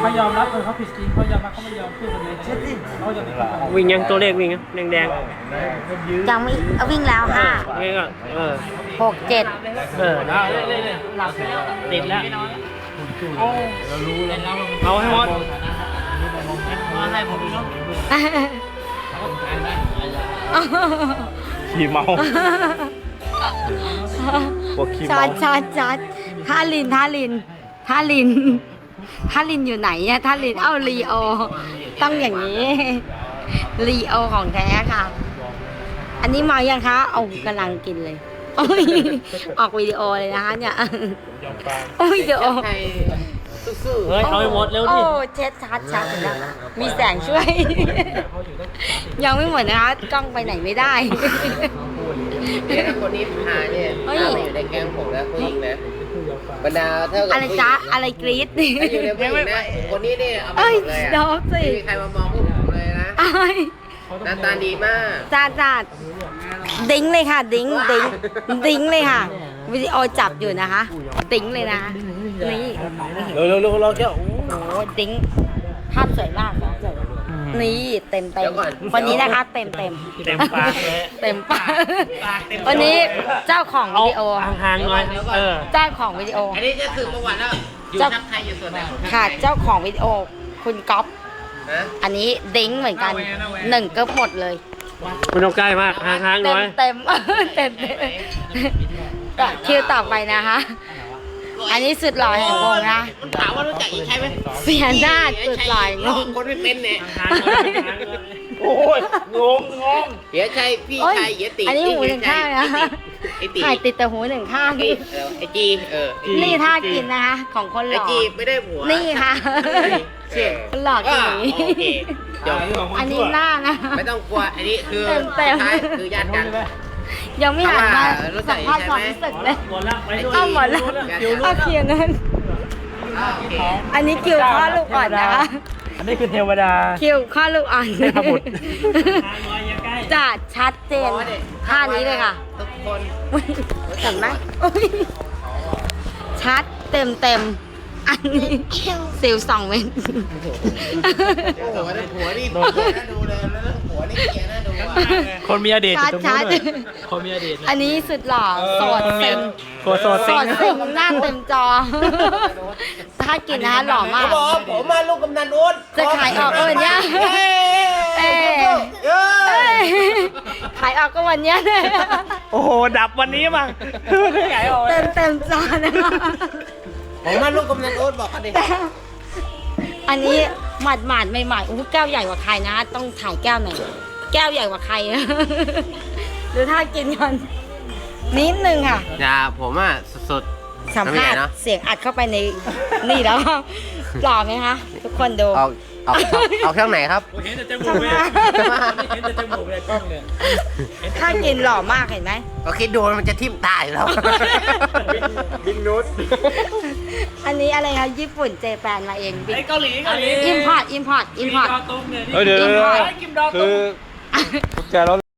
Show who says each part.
Speaker 1: เขายอมรับเลยเขาผิดจริงเขายอมรับเขาไม่ยอมพูดเลยเช็ดสิเขาจะ
Speaker 2: วิ่งยังตัวเลขวิ่งยังแดง
Speaker 3: ยังไม่วิ่งแล้วค่ะ
Speaker 2: ๆนี่ก็
Speaker 3: 6 7
Speaker 1: หลับติดแล้ว
Speaker 2: เอาให้หมด
Speaker 1: ให้ผมดูเนาะ
Speaker 2: ขี่เมาพวกขี่เมา
Speaker 3: ชัดท่าลินอยู่ไหนอะท่าลินลีโอต้องอย่างนี้ลีโอของแท้ค่ะ อันนี้มายังคะเอากำลังกินเลยออกวิดีโอเลยนะคะเนี่ยวิดีโอ
Speaker 2: เฮ้ยเอาให้หมดเร็วดิ
Speaker 3: เช็ดชัดเลยนะมีแสงช่วยยังไม่หมดนะคะกล้องไปไหนไม่ได้
Speaker 4: คนนี้พาเนี่ยมาอยู่ในแก๊งผมนะผู้หญิงนะบรรดาเท่ากับ
Speaker 3: อะไรจ๊ะอะไรกรี๊ด
Speaker 4: อยู่ในผู้หญิงนะคนนี้เนี่ยเอาไปหมดเลยอ่ะไม่มีใครมามองพวกผมเลยนะหน้าตาดีมาก
Speaker 3: จ้าดิ้งเลยค่ะดิ้งเลยค่ะวิดีโอจับอยู่นะคะดิ้งเลยนะนี่
Speaker 2: เร็วเราแค่
Speaker 3: โอ้ดิ้งภาพสวยมากนี่เต็มวันนี้นะคะเต็ม
Speaker 2: ปาก
Speaker 3: เต็มปากวันนี้เจ้าของวิดีโอ
Speaker 2: ห่างๆหน่อย
Speaker 3: เจ้าของวิดีโอ
Speaker 4: อันนี้จะสืบประวัติแล้วอยู่ทักไทยอยู่ส่วนไหน
Speaker 3: ค่ะเจ้าของวิดีโอคุณก๊อฟอันนี้ดิ้งเหมือนกัน1ก็หมดเลย
Speaker 2: ไม่ต้องใกล้มากห่างๆหน่อย
Speaker 3: เต็มคิวต่อไปนะคะอันนี้สุดหล่อแห่งวงนะ
Speaker 4: มันถามว่ารู้จักอีกใช่ไหม
Speaker 3: เสียหน้าสุดหล่องง
Speaker 4: คนไม่เป็นเนี่ย
Speaker 2: โอ้ยงง
Speaker 4: เดี๋ยวใช่พี่ชายเดี๋ยวตี
Speaker 3: อันนี้หูหนึ่งข้างนะถ่ายติดแต่หูหนึ่งข้าง
Speaker 4: ไอจี
Speaker 3: นี่ท่ากินนะคะของคนหล่อ
Speaker 4: ไอจีไม่ได้ผัว
Speaker 3: นี่ค่ะหล่อจริงอันนี้หน้านะ
Speaker 4: ไม่ต้องกลัวอันนี้คือคือญาติกัน
Speaker 3: ยังไม่หันมาสัมภาษณ์ความรู้สึกเลยหมดแล้วโอเคงั้นอันนี้คิวข้อลูกอ่อนนะคะ
Speaker 2: อันนี้คือเทวดา
Speaker 3: คิวข้อลูกอ่อนจะชัดเจนท่านี้เลยค่ะ
Speaker 4: ทุกคน
Speaker 3: เห็นไหมชัดเต็มอันนี้สิว2 เมตร
Speaker 4: โอ้โหหัวนี่ดูเลยแล้วหัวนี่เกียร์น่าดู
Speaker 2: คนมีอดีต
Speaker 3: ชัด
Speaker 2: คนมีอดีต
Speaker 3: อันนี้สุดหล่อโสดเต็ม
Speaker 2: โสด
Speaker 3: เต็มหน้าเต็มจอถ้ากินนะหล่อมาก
Speaker 4: ผมมาลูกกำนันอ้น
Speaker 3: จะขายออกก็วันนี้ขายออกก็วันนี้
Speaker 2: โอ้โหดับวันนี้มั้งขายออก
Speaker 3: เต็มจอนะคะ
Speaker 4: ผมมาลูกกำนันโอ๊ตบอกกันดิ
Speaker 3: อันนี้หมาดใหม่ๆแก้วใหญ่กว่าใครนะต้องถ่ายแก้วหน่อยแก้วใหญ่กว่าใครหรือถ้ากินกันนิดนึงค่ะ
Speaker 4: อย่าผมอ่ะสุด
Speaker 3: สัมภาษณ์เสียงอัดเข้าไปในนี่แล้วหล่อไหมคะทุกคนดู
Speaker 4: เอาช่องไหนครับ
Speaker 1: เห็นแต่จมูกเลยเห็นแต่จมูกเลยกล้องเนี่ย
Speaker 3: ถ้ากินหล่อมากเห็นไหม
Speaker 4: ก็คิดดูมันจะทิ่มตาอยู่แล้ว
Speaker 1: บินนุช
Speaker 3: อันนี้อะไรคะญี่ปุ่นเจแปนมาเอง
Speaker 1: ไอ้เกาหลี
Speaker 3: อิมพอร์ต
Speaker 1: เดี๋ยว
Speaker 3: คือจะ